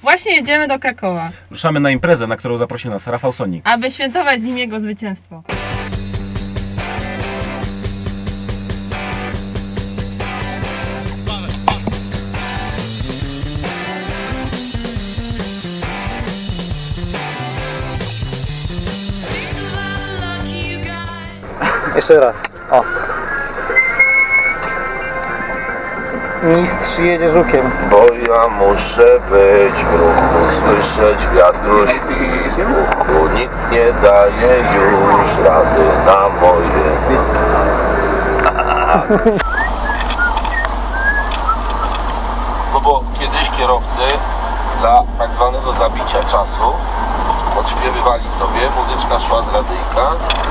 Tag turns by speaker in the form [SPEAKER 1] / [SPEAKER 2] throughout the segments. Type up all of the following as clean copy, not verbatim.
[SPEAKER 1] Właśnie jedziemy do Krakowa,
[SPEAKER 2] Ruszamy na imprezę, na którą zaprosił nas Rafał Sonik.
[SPEAKER 1] aby świętować z nim jego zwycięstwo.
[SPEAKER 3] Jeszcze raz. O. Mistrz jedzie żukiem.
[SPEAKER 4] Bo ja muszę być w ruchu, słyszeć wiatru świst w uchu. Nikt nie daje już rady na moje. No bo kiedyś kierowcy dla tak zwanego zabicia czasu odśpiewywali sobie, muzyczka szła z radyjka.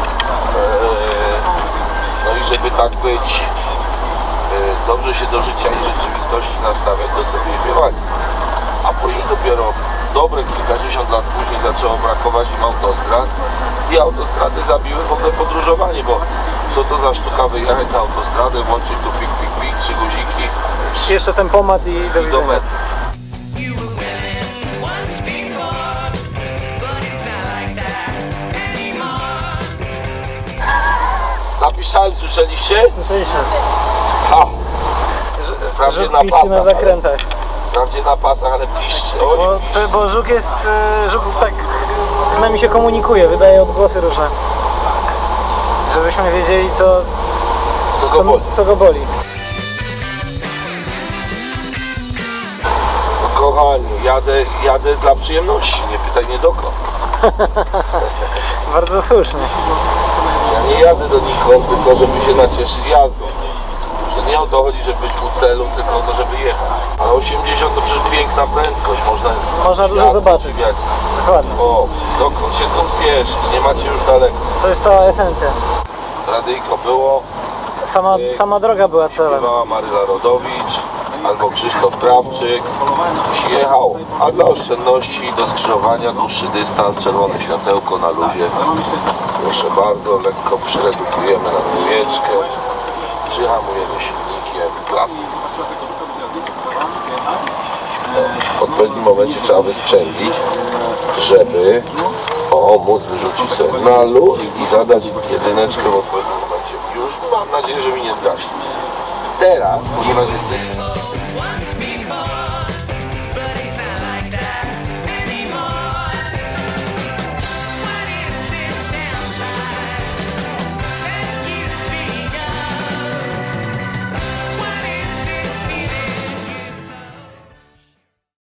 [SPEAKER 4] No i żeby tak być dobrze się do życia i rzeczywistości nastawiać, to sobie śpiewali. A później dopiero dobre kilkadziesiąt lat później zaczęło brakować im autostrad i autostrady zabiły w ogóle podróżowanie, bo co to za sztuka wyjechać na autostradę, włączyć tu pik, pik, pik, 3 guziki
[SPEAKER 3] Jeszcze tempomat i do
[SPEAKER 4] i do
[SPEAKER 3] widzenia.
[SPEAKER 4] mety.
[SPEAKER 5] You were winning once before, but it's not like that anymore.
[SPEAKER 4] Zapiszałem, słyszeliście?
[SPEAKER 3] Słyszeliśmy.
[SPEAKER 4] Ha! Wprawdzie
[SPEAKER 3] Żuk
[SPEAKER 4] na
[SPEAKER 3] piszczy
[SPEAKER 4] pasach,
[SPEAKER 3] na zakrętach.
[SPEAKER 4] wprawdzie na pasach, ale piszczy. Oj,
[SPEAKER 3] Bo,
[SPEAKER 4] piszczy.
[SPEAKER 3] bo żuk jest, żuk tak z nami się komunikuje, wydaje odgłosy różne. Żebyśmy wiedzieli
[SPEAKER 4] Co go boli?
[SPEAKER 3] co go boli.
[SPEAKER 4] No kochani, jadę dla przyjemności, nie pytaj mnie dokąd.
[SPEAKER 3] Bardzo słusznie.
[SPEAKER 4] Ja nie jadę donikąd, tylko żeby się nacieszyć jazdą. Że nie o to chodzi, żeby być u celu, tylko o to, żeby jechać. A 80 to przecież piękna prędkość,
[SPEAKER 3] Można dużo
[SPEAKER 4] świat
[SPEAKER 3] zobaczyć.
[SPEAKER 4] podziwiać.
[SPEAKER 3] Dokładnie.
[SPEAKER 4] O, dokąd się to spieszyć, nie macie już daleko.
[SPEAKER 3] To jest cała esencja.
[SPEAKER 4] Radyjko było,
[SPEAKER 3] Sama droga była celem.
[SPEAKER 4] śpiewała Maryla Rodowicz albo Krzysztof Krawczyk. Jechał, a dla oszczędności do skrzyżowania dłuższy dystans, czerwone światełko na luzie. Proszę bardzo, lekko przyredukujemy na dwójeczkę, przyhamujemy silnikiem, klasa. W odpowiednim momencie trzeba wysprzęglić, żeby móc wyrzucić sobie na luz i zadać jedyneczkę w odpowiednim momencie. Już mam nadzieję, że mi nie zgaśnie. Teraz, ponieważ jest